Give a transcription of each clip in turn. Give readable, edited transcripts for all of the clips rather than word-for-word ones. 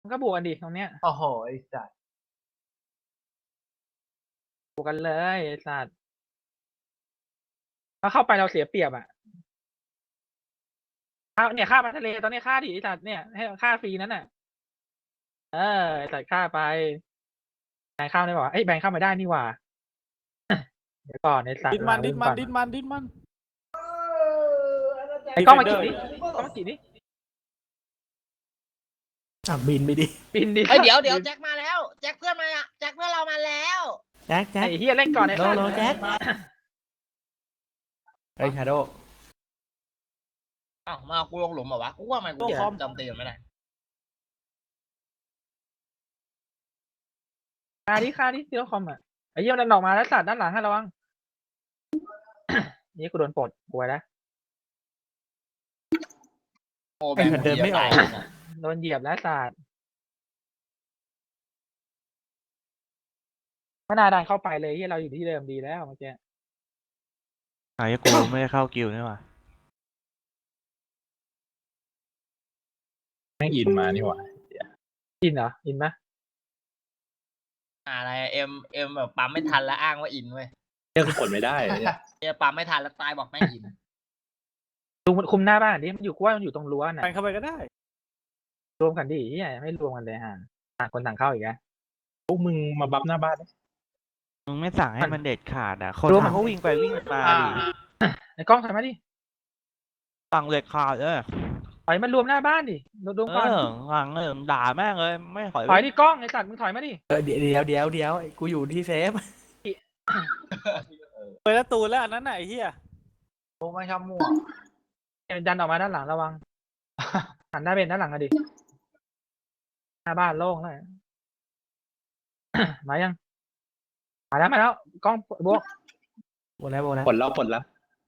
มันก็บวกกันดิตรงเนี้ยโอ้โหไอ้สัตว์บวกกันเลยไอ้สัตว์ถ้าเข้าไปเราเสียเปรียบอ่ะเนี่ยค่ามาทะเลตอนนี้ค่าดิไอ้สัตว์เนี่ยให้ค่าฟรีนั้นน่ะไอ้สัตว์ค่าไปแบงค์เข้าได้ป่าวะแบงค์เข้ามาได้นี่หว่าเดี๋ยวก่อนไอ้สัตว์ดิ้นมันล้างดิ้นก่มัอนดิ้นมันดิ้นมันไอ้กล้องมากี่ดิกล้องมากี่ดิบินไปดิบินดิเดี๋ยวแจ็คมาแล้วแจ็คเพื่อนมาแจ็คเพื่อนเรามาแล้วแจ็คไอ้เฮียเล่นก่อนไอ้สัตว์โลแจ็คเฮ้ยชาโดอ้าวมากูลงหลุมเหรอวะกูว่ามันกูจำตีนไม่ได้ค่าดิซีโร่คอมอ่ะไอ้เฮียมันออกมาแล้วสัตว์ด้านหลังให้ระวัง นี่กูโดนปลดกลัวแล้วโอ้ไอ้มันเดินไม่ออกโดนเหยียบแล้วสัตว์ไม่น่าดันเข้าไปเลยที่เราอยู่ที่เดิมดีแล้วเมื่อกี้ไอ้กูไม่ได้เข้ากิลด์นี่หว่าแม่งอินมานี่หว่าอินเหรออินไหมอะไรเอ็มแบบปั๊มไม่ทันแล้วอ้างว่าอินเว้ยเนี่ยคือกดไม่ได้เนี่ยเดี๋ยวปั๊มไม่ทันแล้วตายบอกไม่อินดูมันคุมหน้าบ้านดิมันอยู่กูว่ามันอยู่ตรงรั้วน่ะแทงเข้าไปก็ได้รวมกันดิที่ไหนไม่รวมกันเลยฮะต่างคนต่างเข้าอีกนะพวกมึงมาบัฟหน้าบ้านดิมึงไม่สั่งให้มันเด็ดขาดอ่ะ คนรู้มั้ยทำเขาวิ่งไปวิ่งมาดิไอ้กล้องถอยมาดิสั่งเด็ดขาดเลยถอยมารวมหน้าบ้านดิรวมก่อนสั่งเลยด่าแม่งเลยไม่ถอยถอยดิกล้องไอ้สัตว์มึงถอยมาดิเดี๋ยวกูอยู่ที่เซฟเปิดประตูแล้วอันนั้นไหนะไอ้เหี้ยพวกไม่ชอบมั่วดันออกมาด้านหลังระวังหันหน้าเป็นด้านหลังอะดิหน้าบ้านโล่งเลย มายังมาแล้วกล้องบวกโบแล้วปลดแล้ว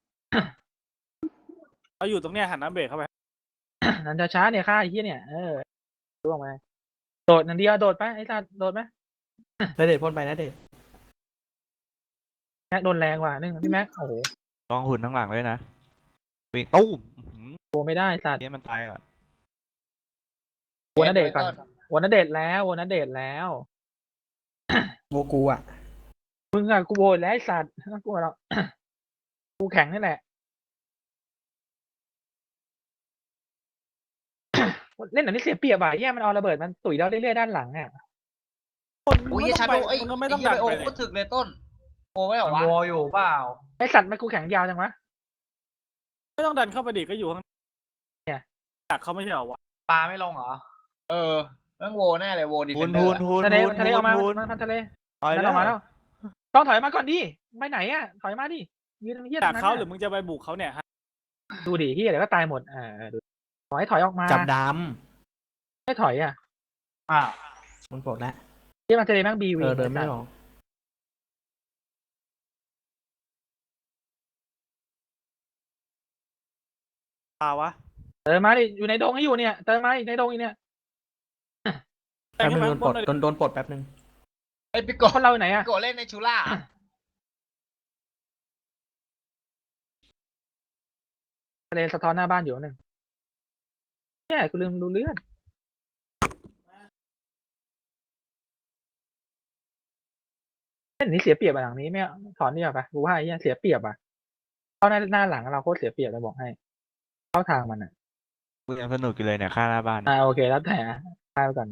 เราอยู่ตรงเนี้ยหันน้ำเบรกเข้าไปนันจะช้าเนี่ยค่าไอ้เหี้ยเนี่ยร่วงไปโดดนันเดียวโดดไปไอ้สัตว์โดดไหมแล้วเด็ดพ่นไปนะเด็ดแม็กโดนแรงว่ะนี่พี่แม็กโอ้โหลองหุ่นทั้งหลังเลยนะวิ่งตู้มโกไม่ได้สัตว์เนี่ยมันตายก่อนโวนเดชก่อนโวนเดชแล้วโบกูอ่ะมึงอะกูโวยแล้วไอ้สัตว์น่ากลัวหรอก กูแข็งนี่แหละ เล่นหนังนี่เสียเปรียบอ่ะแย่มันเอาระเบิดมันตุ๋ยเราเรื่อยๆด้านหลังอ่ะคนอุ้ยไม่ชาต้องโดไปไอ้มันก็ไม่ต้องดันโอ้ไปเลยก็ถึกเลยต้นโอ้ไม่หรอวะโวอยู่เปล่าไอสัตว์มันกูแข็งยาวจังวะไม่ต้องดันเข้าไปดิก็อยู่ข้างเนี่ยดักเขาไม่ใช่เหรอวะปลาไม่ลงเหรอแม่งโวแน่เลยโวดิเฟหุ่นนเดอหุ่นร์หุ่นทะเลหุ่นทะเลออกมาหุ่นมาทะเลถอยนั่นแล้ออกมาแล้ว ต้องถอยมาก่อนดิไปไหนอ่ะถอยมาดิยืนเฮียดักเขาหรือมึมึงจะไปบุกเขาเนี่ยฮะดูดิเฮียเดี๋ยวก็ตายหมดดูถอยออกมาจับดไม่ถอยอ่ะำมันปลดแล้วเฮียมันทะเลแม่งบีวีเดินไม่ออกปาวะเติมมาดิอยู่ในดงให้อยู่เนี่ยเติมมาอีกในดงอีกเนี่ยแทงแป๊บให้นึงมันโดนปลดแป๊บนึงไอ้ปิโกคนเราอยู่ไหนอ่ะปิโกเล่นในชูล่าทะเลสะท้อนหน้าบ้านอยู่หนึ่งเนี่ยกูลืมดูเลือดเล่นนี้เสียเปรียบอะหลังนี้ไม่ถอนนี่ป่ะกูว่าไอ้เหี้ยเสียเปรียบอ่ะเข้าหน้าหลังเราโคตรเสียเปรียบเลยบอกให้ เข้าทางมันอ่ะกูยังสนุกอยู่เลยเนี่ยค่าหน้าบ้านโอเคแล้วแต่ตายไปก่อนนะ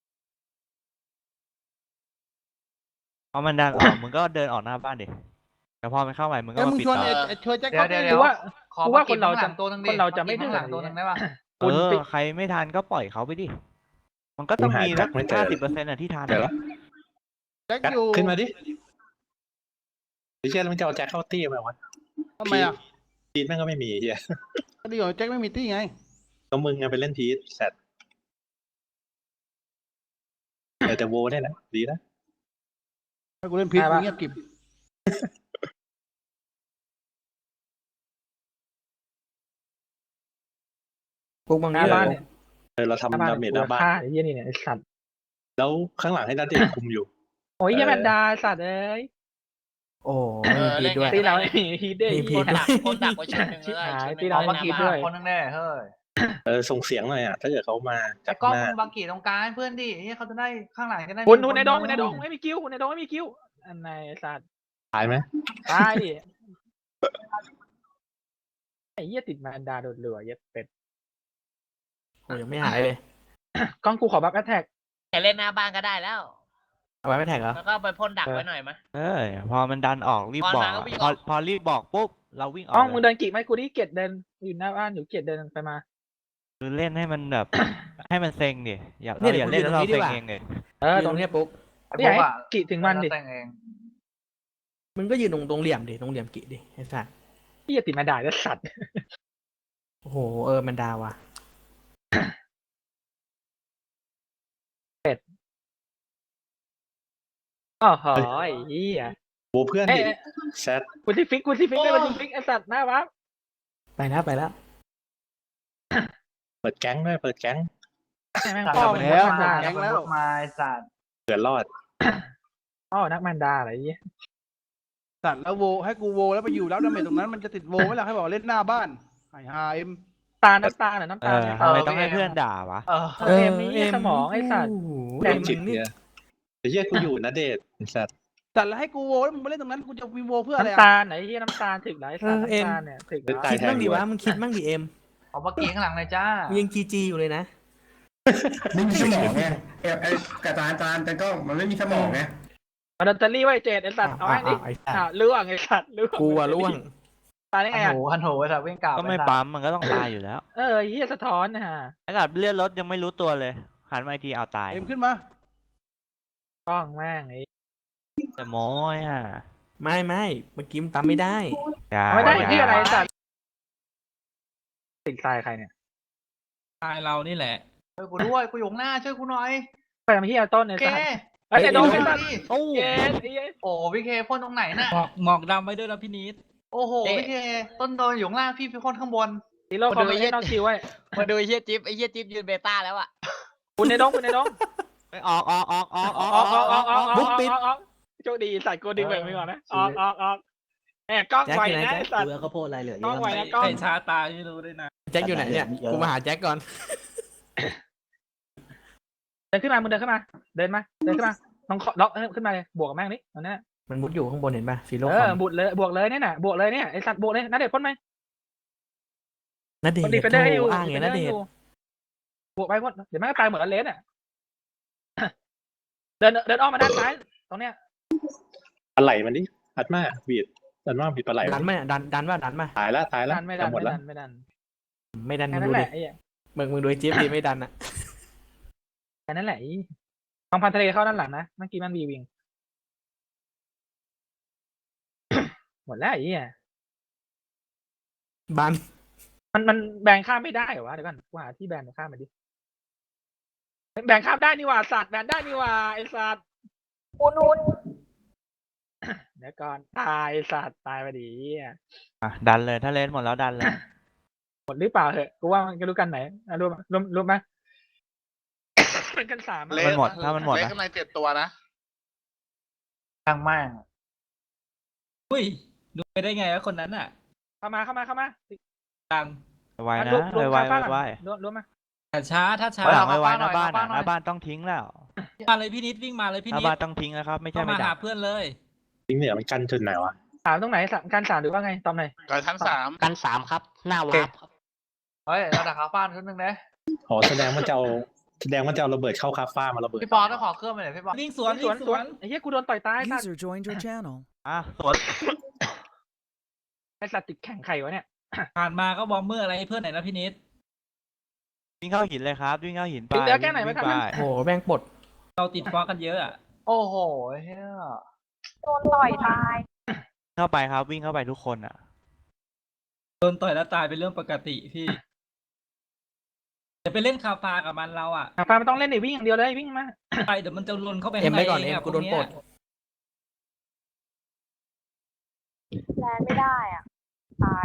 เพราะมันดันออกมึงก็เดินออกหน้าบ้านดิแต่พอมันเข้าไปมึงก็มาปิดต่อช่วยแจ็คเดี๋ยวกูว่าคนเราจะตัวนึงดิคนเราจะไม่ข้างหลังตัวนึงได้ป่ะคุณปิดใครไม่ทันก็ปล่อยเขาไปดิมันก็ต้องมีสัก 50%อ่ะที่ทันเดี๋ยวละแจ็คอยู่ขึ้นมาดิไม่เชื่อแล้วมึงจะเอาแจ็คเข้าตี้ไหมวะทำไมอ่ะพีทแม่งก็ไม่มีเฮียก็ดีกว่าแจ็คไม่มีตี้ไงก็มึงไงไปเล่นพีทแซดแต่โวได้นะดีนะถ้ากูเล่นพีทกูเงียบกิบพวกบางหนี่น้าบ้านเนี่ยเราทำดาเมจหน้าบ้านฆ่าไอ้เหี้ยนี่เนี่ยไอ้สัตว์แล้วข้างหลังให้นัดเดชคุมอยู่โอ้ยเหี้ยแมนดาสัตว์เอ้ยโอ้มีพีทด้วยตีเราไม่มีฮีทด้วยมีพีคทนดักไว้ชุดหนึ่งชิบเลยหายชุดหตีนึ่งเราเอาไม่มาคิคิดดด้ด้ววย ยคนนึงแน่เฮ้ยส่งเสียงหน่อยอ่ะถ้าเกิดเขามาแต่จากกล้องหน้ามึงบางกีตรงกลางให้เพื่อนดิเฮ้ยเขาจะได้ข้างหลังจะได้คุณมีคุณในดงคคุณในดงไม่มีคิวคุณในดงไม่มีคิวอันไหนไอ้สัตว์ตายไหมตายดิไอ้เหี้ยติดแมนดาโดนเรือเย็ดเป็ดโอ้ยังไม่หายเลยกล้องกูขอบัฟแอทแทกแต่เล่นหน้าบ้านก็ได้แล้วเอาไว้ไม่แท็กเหรอแล้วก็ไปพ่นดักไว้หน่อยมะพอมันดันออกรีบพอบอกมาก็วิ่งพอออกพอรีบบอกปุ๊บเราวิ่งออกกล้องมึงเลยเดินกี่ไหมกูดิเกียดเดินอยู่หน้าบ้านอยู่เกียดเดินไปมาคือเล่นให้มันแบบ ให้มันเซ็งดิอย่าเนี่เรายอย่าเล่นแล้วเราผมอยู่ตรงนี้เซ็งดีกว่าเองเลยยืนตรตรง งนี้เนี้ยปุ๊กพี่อยากให้กี่ถึงมันดิแต่งเองมึงก็ยืนตรงเหลี่ยมดิตรงเหลี่ยมกิดิไอ้สัสพี่จะติดแมนดาแล้วสัตว์โอ้โหมันดาว่ะอ๋อหอยเหี้ยโบเพื่อนเอ้ดิยแซดกูที่ฟิกได้กูที่ฟิกไอ้สัตว์หน้าวับไปแล้วไปแล้วเปิดแก๊งด้วยเปิดแก๊งแม่งสั่งพ่อไปมึงแล้วนักแมนดาแก๊งแล้วมาไอ้สัตว์เกิดรอดพ่อนักแมนดาอะไรเงี้ยสัตว์แล้วโวให้กูโวแล้วไปอยู่แล้วดาเมจตรงนั้นมันจะติดโวไหมล่ะให้บอกเล่นหน้าบ้านไอ้ฮาเอ็มน้ำตาลน้ำตาลทำไมต้องให้เพื่อนด่าวะเอ็มนี่สมองไอ้สัตว์โอ้โหแต่จิตเนี่ยไอ้เหี้ยกูอยู่นะเดชไอ้สัตว์สัตว์แล้วให้กูโวแล้วมึงไปเล่นตรงนั้นกูจะมีโวเพื่ออะไรน้ำอ่ะตาลไหนที่น้ำตาลถึงไหนสัตว์น้ำตาลเนี่ยถึงตายคิดแทนมั่งดิดีวะมึงคิดมั่งดิเอ็มเอามากีข้างหลังเลยจ้ามึงยังจีอยู่เลยนะไม่มีสมองไงไอ้กระจานแต่ก็มันไม่มีสมองไงเอาดอตเตอรี่ไว้เจ็ดไอ้สัตว์เอาไอ้นี่ไอ้สัสล่วงไอ้สัตว์ล่วงกูอะล่วงตายได้ไงฮันอ่ะโหฮันโหไอ้สัตว์วิ่งกลับก็ไม่ปั๊มมันก็ต้องตายอยู่แล้วเฮียสะท้อนนะฮะขนาดเลื่อนรถยังไม่รู้ตัวเลยหันมาอีกทีเอาตายเอ็มขึ้นมากล้องแม่งไอ้แต่โม้ยอ่ะไม่เมื่อกี้มันปั๊มไม่ได้อย่าไม่ได้อย่าที่อะไรสัตว์ติดทรายใครเนี่ยตายเรานี่แหละช่วยกูด้วยกูอยู่ข้างหน้าช่วยกูหน่อยไปทำที่ต้นไอ้เคสัตว์ไอ้ยไอ้โดนไอ้สัตว์โอ้เย็นไอ้เย็นโอ้พี่เคพ่นตรงไหนน่ะหมอกดำไว้ด้วยนะพี่นิดโอ้โหพี่เคต้นโดนอยู่ข้างล่างพี่พ่นข้างบนซีโร่คอมเมนต์นอกคิวไว้มาดูไอ้เฮียจิ๊บไอ้เฮียจิ๊บยืนเบต้าแล้วอ่ะคุณในดงไปออกบุ๊กปิดโชคดีใส่โกดึงแบบไปก่อนนะออกแอบกล้องแจ็คไวอยู่ไหนนะแจ็คไอ้สัตว์ข้าวโพดอะไรเหลือกล้องไวนะกล้องใส่ชาตาไม่รู้ด้วยนะแจ็คอยู่ไหนเนี่ยกูมาหาแจ็คก่อนเดินขึ้นมามึงเดินขึ้นมาเดินขึ้นมาลองล็อกขึ้นมาเลยบวกกับแม่งนี่ตอนนี้มันมุดอยู่ข้างบนเห็นป่ะฟีโร่บวกเลยเนี่ยน่ะบวกเลยเนี่ยไอ้สัตว์บวกเลยนัดเด็ดพ่นไหมนัดเดชคนดีเฟนเดอร์อยู่อ้างไงนัดเดชบวกไปพ่นเดี๋ยวแม่งก็ตายเหมือนอเลสอ่ะเดินอ้อมมาด้านซ้ายตรงเนี้ยปลาไหลมันดิอัดมาบีดอัดมาบีดปลาไหลดันไหมดันว่าดันมาตายแล้วดันไม่ดันหมดแล้วไม่ดันไม่ดันแค่มึงนั้นดูแหดิละไอ้เหี้ยมึงดูไอ้จิ๊บดิไม่ดันอ่ะแค่นั้นแหละกองพันทะเลเข้าด้านหลังนะเมื่อกี้มันวีวิง หมดแล้วไอ้เหี้ยบันมันแบงข้ามไม่ได้เหรอวะเดี๋ยวก่อนกูหาที่แบนข้ามมาดิแบงข้ามได้นี่หว่าสัตว์แบนได้นี่หว่าไอ้สัตว์อุ่นเดี๋ยวก่อนตายสัตว์ตายไปดิเหี้ยดันเลยถ้าเล่นหมดแล้วดันเลยหมดหรือเปล่าเหอะกูว่ามันจะรู้กันไหนรู้ไหมเป็นกันสามมันหมดถ้ามันหมดเล็กนะข้างใน7 ตัวนะข้างแม่งอุ้ยดูไปได้ไงวะคนนั้นอ่ะเข้ามาดังไวนะไวรวมมาแต่ช้าถ้าช้าหลังไวหน้าบ้านหน้าบ้านต้องทิ้งแล้วมาเลยพี่นิดวิ่งมาเลยพี่หน้านิดบ้านต้องทิ้งแล้วครับไม่ใช่เข้าไม่มาดัหาก เพื่อนเลยจริงเนี่ยมันกันจุดไหนวะสามตรงไหนการสามหรือว่าไงตอมไหนกับชั้น 3 กัน3ครับ หน้าวาร์ปครับเฮ้ยเราดักขาฟ้านชุดหนึงนะอ๋อแสดงว่าจะเอาระเบิดเข้าคาฟ้ามาระเบิดพี่ปอต้องขอเครื่องไปหน่อยพี่ปอวิ่งสวนวิ่งสวนไอ้เหี้ยกูโดนต่อยตายสัตว์ User joined your channel. สวนไอ้สัตว์ติดแข่งไข่วะเนี่ยผ่านมาก็บอมเมอร์อะไรให้เพื่อนหน่อยนะพี่นิดวิ่งเข้าหินเลยครับวิ่งเข้าหินไปเหลือแค่ไหนไม่ทันวิ่งโอ้โหแม่งปลดเราติดฟอกันเยอะอ่ะโอ้โหเฮียโดนต่อยตายเข้าไปครับวิ่งเข้าไปทุกคนอ่ะโดนต่อยแล้วตายเป็นเรื่องปกติพี่จะไปเล่นคาฟากับมันเราอ่ะฟ้ามันต้องเล่นในวิ่งอย่างเดียวเลยวิ่งมาไปเดี๋ยวมันจะลนเข้าไปเอ็มข้างในไว้ก่อนเอเอ็งมอะกูโดนพวปลเยดแลนไม่ได้อ่ะ ตาย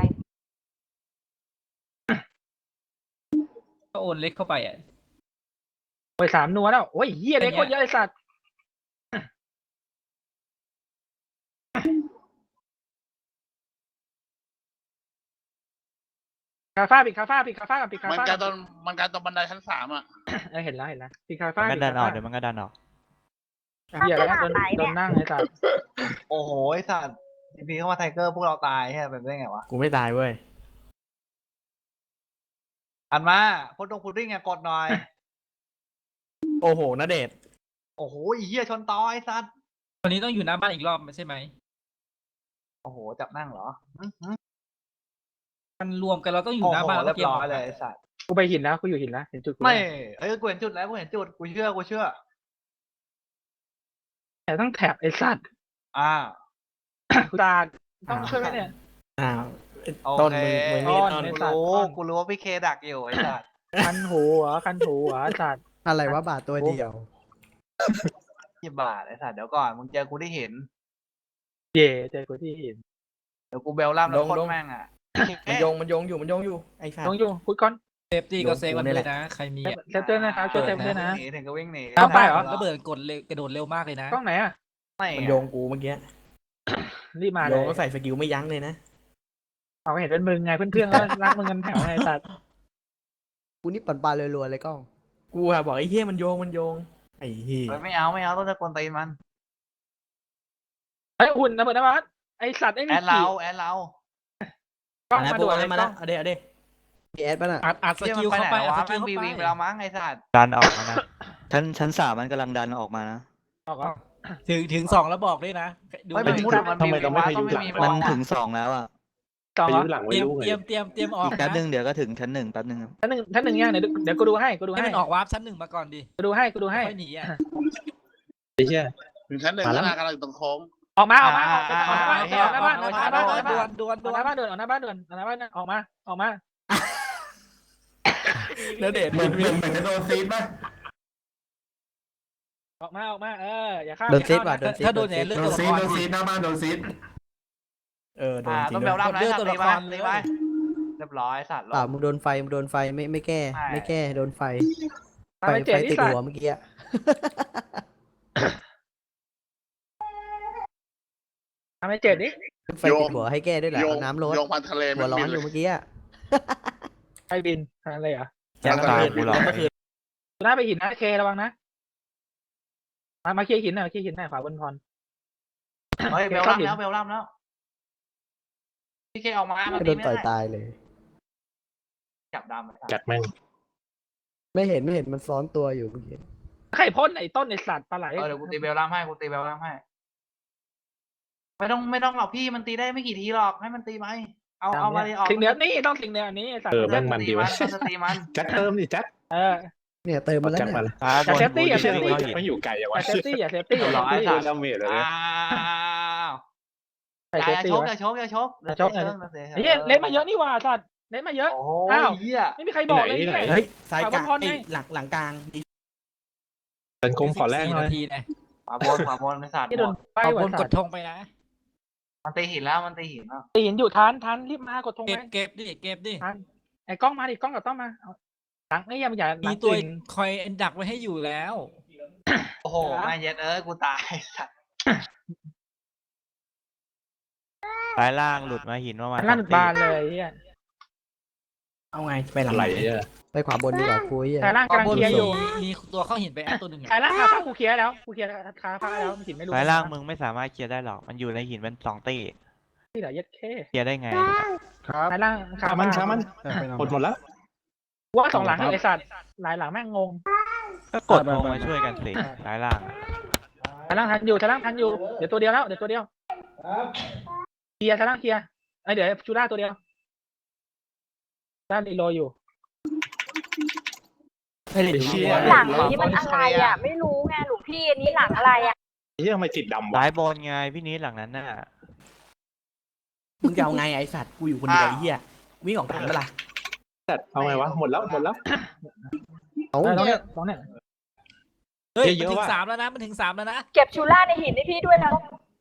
ก็โอนเล็กเข้าไปอ่ะโอ้ย3 นัวแล้วโอ้ยเหี้ยเล็กโคตรเยอะไอ้สัตว์คาฟ้าปิดคาฟ้าปิดคาฟ้ากับปิดคามันฟ้าการตอนมันการตอนบันไดชั้นสามอ่ะเห็นแล้วปิดคามัฟ้านก็ปิดดันคาออฟ้ากเดี๋ยวมันก็ดันออกเหี้ยแล้วโดนนั่งไอ้สัตว์โอ้โหไอ้สัตว์ทีพีเข้ามาไทเกอร์พวกเราตายแค่เป็นได้ไงวะกูไม่ตายเว้ยอันมาพุดดิ้งไงกดหน่อยโอ้โหณเดชน์โอ้โหไอ้เหี้ยชนตอไอ้สัตว์วันนี้ต้องอยู่หน้าบ้านอีกรอบใช่ไหมโอ้โหจับนั่งเหรอมันรวมกันเราต้องอยู่โอ้หน้าโหบ้านเรีแล้ยว บเกมร้อออย กเลยไอ้สัตว์กูไปหินแล้วกูอยู่หินแล้วเห็นจุดกูไม่กูเห็นจุดแล้วกูเห็นจุดกูเชื่อแต่ต้องแถบไอ้สัตว์อ่ากูตาต้องช่วยไหมเนี่ยอ้าวโอต้นเคมึงนี่ต้นต้นไอ้กูสัตว์รู้ว่าพี่เคดักอยู่ไอ้สัตว์คันหูเหรอคันหูเหรอไอ้สัตว์อะไรวะบาทตัวเดียวยี่บาทไอ้สัตว์เดี๋ยวก่อนมึงเจอกูได้เห็นเย่เจอกูที่หินเดี๋ยวกูเบลล่ำแล้วลงโคตลรง แม่งอ่ะมันโยงอยู่ไอ้สัตลว์งอยู่พูดก่อนเซฟตี้ก็เซฟกันนี่เลแหยละนะ ใครมีอะเซฟเตอร์นะครับช่วยเซฟด้วยนะหนีถึงก็วิ่งหนีเอาไปเหรอระเบิดกดเร็วกระโดดเร็วมากเลยนะกล้องไหนอ่ะไม่มันโยงกูเมื่อกี้รีบมาเลโยยงก็ใส่สกิลไม่ยั้งเลยนะเอาเห็นเป็นมึงไงเพื่อนๆก็รักมึงกันแถวไงไอ้สัตว์กูนี่ปั่นปลารัวๆเลยกล้อง กูอะบอกไอ้เหี้ยมันโยงไอ้เหี้ยไม่เอาต้องตะโกนตีมันไอ้หุ่นระเบิดน้ำมันไอ้สัตว์ไอ้แอมีดเราแอดเรากล้องนะมาพวด่กวนนั้เลยนมาแล้วเอาเด้แอดป่ะน่ะอัดสเที่ยกิลมันไปเข้าไหนไปอัดวะสกิแม่ลงเข้าบีไปวิงไปแล้วมั้งไอ้สัตว์ดันออกมานะชั้นสามมันกำลังดันออกมานะออกอ่ะถึงสองแล้วบอกด้วยนะดูไม่ไปเป็นถึงมุดมันทำไมบีวิเรางไม่วะพายุต้องไม่หลังมีมันบอลถึงสองแล้วอ่ะสองพาเหรยุอหลังเตไม่รียมรู้เตไงรียมเตรียมเตรียมออกแป๊บนะนึงเดี๋ยวก็ถึงชั้นหนึ่งแป๊บนึงครับชั้นหนึ่งยังเดี๋ยวกูดูให้กูดูให้ให้มันออกวาร์ปชั้นหนึ่งมาก่อนดิกูดูให้กูดูให้ค่อยหนีอ่ะไอ้เชี่ยถึงชั้นหนึ่งมาแล้แล้ว วกำลังตรงโค้งออกมาออกมาออกหน้าบ้านออกหน้าบ้านออกหน้าบ้านออกหน้าบ้านออกหน้าดวบ้านนดวนอดอกวหน้าน บ้านด่วนออกหน้าบ้านด่วนออกหน้าบ้านออกมาณเดชน์เหมือนจะโดนซีดป่ะออกมาอย่าข้ามโดนซีดว่ะถ้าโดนเนี่ยเลือดโดตันวละซีคดรหน้าบ้านโดนซีดโดนจริต้องงเบลด้วยล่ำนะเลือดสัตตัวว์ละตีคไปรเรียบร้อยสัตว์เปล่ามึงโดนไฟไม่แก้ไม่แก้โดนไฟทำไมเจ็บติที่ดสัตหัวว์เมื่อกี้อะทำไมเจ็บดิไฟติดหัวให้แก้ด้วยเหรอเอาน้ำร้อนโยงพันทะเลหัวร้อนอยู่เมื่อกี้อะใครบินอะไรเหรอแจ็คตายกูหรอกเมื่อคืนหน้าไปหินนะเคระวังนะมาเคลียร์หินหน่อยเคลียร์หินหน่อยขวาบนพรเฮ้ยเบลล่ำแล้วพี่เคออกมาโดนต่อยตายเลยจับดำจัดแม่งไม่เห็นมันซ้อนตัวอยู่เมื่อกี้ใครพ่นไอ้ต้นไอ้สัตว์ปลาไหลเดี๋ยวกูตีเบลล่ำให้ไม่ต้องหรอกพี่มันตีได้ไม่กี่ทีหรอกให้มันตีไหมเอามาเลยออกสิ่งเดียวนี่ต้องสิ่งเดียวนี้ไอ้สัตว์แม่งมันดีวะตีมันแจ็คเติมดิแจ็คเนี่ยเติมมาแล้วจัดเนี่มาย เลยฟ้าบนเซฟตี้กูอย่าจะเซฟตี้วิ่งเข้าหินไม่อยู่ไกลอย่างะอย่าวเซฟตี้อย่าเซฟตี้อย่าเซฟตี้โดนดาเมจเลยใส่เซฟตี้อย่าชกไอ้เหี้ยเล่นมาเยอะนี่หว่าสัตว์เล่นมาเยอะโอ้อ้าวเหี้ยไม่มีใครบอกเลยเฮ้ยสายกลางขวาบนพรไงหลังกลางเป็นกลมขอแรก 14 หน่อยนาทีนะขวาบนไม่สัตว์ที่โดนไปเอาหับวนกสัดตว์ธงไปนะมันตีหินแล้วตีหินอยู่ทันรีบมากดธงเก็ไปบเก็บดิเก็บดิทันไอ้กล้องมาดิกล้องกับต้องมาหลังไอ้ยังอย่าหลัมีงตัวอื่นคอยดักไว้ให้อยู่แล้วโอ้โหแม่เย็ดกูตายสัตว์ซ้ายล่างหลุดมาหินประมาณลั่นสองตีบานเลยเฮียเอาไงไปหลังไหลไหนเนี่ยไปขวาบนดีกว่าคุยแต่ล่างกำลังเคลียร์อยู่มีตัวเข้าหินไปแอดตัวหนึ่งแต่ล่างคาฟ้ากูเคลียร์แล้วกูเคลียร์คาฟ้าแล้วมันหินไม่รู้ซ้ายล่างมึงไม่สามารถเคลียร์ได้หรอก มันอยู่ในหินเป็นสองตีที่เหลือยัดแค่เคลียร์ได้ไงครับซ้ายล่างคาขาฟ้ามันหมดแล้วว่าสองหลังไอ้สัตว์หลายหลังแม่งงงก็กดลงมาช่วยกันสิซ้ายล่างอะซ้ายล่างทันอยู่ซ้ายล่างทันอยู่เดี๋ยวตัวเดียวแล้วเดี๋ยวตัวเดียวเคลียร์ซ้ายล่างเคลียร์ไอเดี๋ยวชูล่าตัวเดียวด้านรีโลอยู่ไม่ได้เชี่ยหลังนี้มันอะไรอ่ะ ไม่รู้ไงหลวงพี่อันนี้หลังอะไรอ่ะไอ้เหี้ยทำไมติดดำวะซ้ายบนไงพี่นิดหลังนั้นน่ะมึงจะเอาไงไอสัตว์กูอยู่คนเดียวไอ้เหี้ยวิ่งออกทันเปะล่าจัดเอาไงวะหมดแล้วเอาน้องเนี่ยเฮ้ยเยมันอะๆถึงว่ะสามแล้วนะมันถึงสามแล้วนะเก็บชูล่าในหินให้พี่ด้วยนะ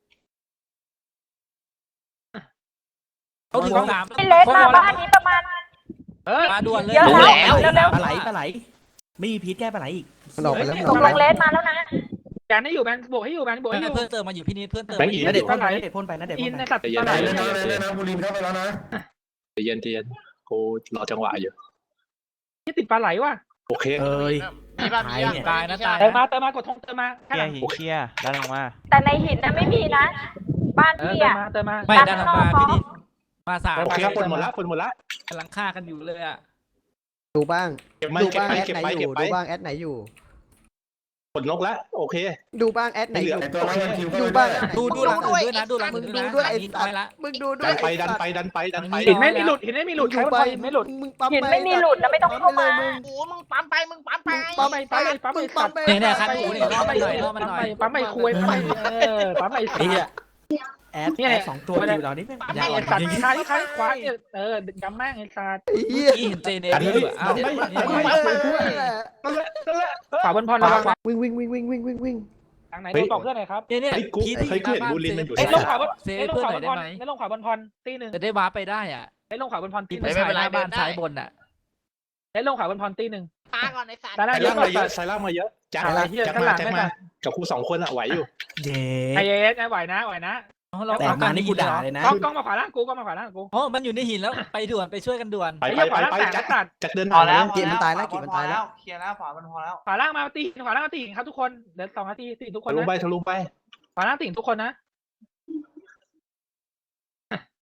เขาถึงสามไม่เล็กมาบ้านนี้ประมาณมาด่วนเลยเยอะแล้วเร็วปลาไหลไม่มีพิษแก้ปลาไหลอีกมันออกไปแล้วๆตกลงเลสมาแล้วนะแบนให้อยู่แบนบวกให้อยู่แบนบวกให้อยู่เพิ่มเติมมาอยู่พี่นิดเพิ่มเติมแบงมาค์ออียู่กนะเด็ดพ่นไปนะเด็ดพ่นไปนะเด็ดอิพ่นนในไปสัตว์ปลาไหลเล่นนะบุรินเข้าไปแล้วนะใจเย็นกูรอจังหวะอยู่ที่ติดปลาไหลว่ะโอเคเอ้ยมีป่ะมีตายนะตายเติมมากดธงเติมมาเคข้างลีหยลังร์หินเคลียร์ด้านลงมาแต่ในหินนะไม่มีนะ บ้านเออพี่เติมอะมาไม่ดันออกมาพี่ดินมาสามโอเคเติมฝนหมดละฝนหมดละกำลังฆ่ากันอยู่เลยอ่ะดูบ้างเก็บมาดูเก็บบ้างไปแอดเก็บไหนไปอเก็บยู่ไปดูบ้างแอดไหนอยู่ฝนนกละโอเคดูบ้างแอดไหนอยู่ไอตัวร้อยวันคิวก็ดูไม่บ้างได้แอดไหนดูหลังอื่นด้วยนะดูหลังมึอื่งนดูนะด้วยไอ้ยิงสัตไปว์ละมึงดูด้วดัยนไปอ้ดันสัตว์ไปดันไปดันไปหินไม่มีหลุดหินไม่มีหลุดใครว่าหินไม่หลุดมึงปั๊มหินปไม่มีหลุดนะไม่ต้องเข้ามามึงโอ้มึงปั๊มไปมึงปั๊มไปปั๊มไปปั๊มไปสัตว์เนี่ยคันหูเนี่ยล่อมันหน่อยล่อมันหน่อยปั๊มไปคุยปั๊มไปปั๊มไปไอ้เหี้ยแอดเนี่ยแอดสองตัวอยู่เรานี่แม่งเนี่ยไอ้สัตว์คาที่ขวาเนี่ยยำแม่งไอ้สัตว์ไอ้เหี้ยเมื่อกี้เห็นเจเนฟอยู่อ้าวขวาบนพรระวังวิ่งวิ่งวิ่งวิ่งวิ่งวิ่งวิ่งทางไหนโดนบอกเพื่อนหน่อยครับเนี่ยเฮ้ยกูพีที่เฮ้ยกูเห็นบูลินมันอยู่เอ้ยลงขวาบนเซฟเอ้ยลงเพื่อนขหวาน่บอยนได้ไหมพรเอ้ยลงขวาบนพรตีหนึ่งจะได้วาร์ปไปได้อ่ะเอ้ยลงขวาบนพรตีหไม่นึ่งใช่หน้าบ้านซ้ายบนอ่ะเอ้ยลงขวาบนพรตีหนึ่งตาก่อนไอ้สัตว์ตาหน้าสายเยล่าอะงมาเยอะสายล่างมาเยอะแจ็คอะไรเหี้ยแจ็คข้างหลัมาง แจ็คไม่มามากับครู2 คนอะไหวอยู่เย้ไอเอสไหวนะไหวนะแต่มานี่กูด่าเลยนะกล้องมาขวาล่างกูกล้องมาขวาล่างกูอ๋อมันอยู่ในหินแล้วไปด่วนไปช่วยกันด่วนไปไอ้ไปเหี้ยขไปวาล่างไปแตกแจ็คตัดแจ็คเดินพอผ่านแล้วเลยเกมมันตายแล้วเกมมันตายแล้วเคลียร์แล้วขวามันพอแล้วขวาล่างมาตีขวาล่างมาตีครับทุกคนเดี๋ยว2 นาทีตีทุกคนทะลุนะไปทะลุไปขวาล่างตีทุกคนนะ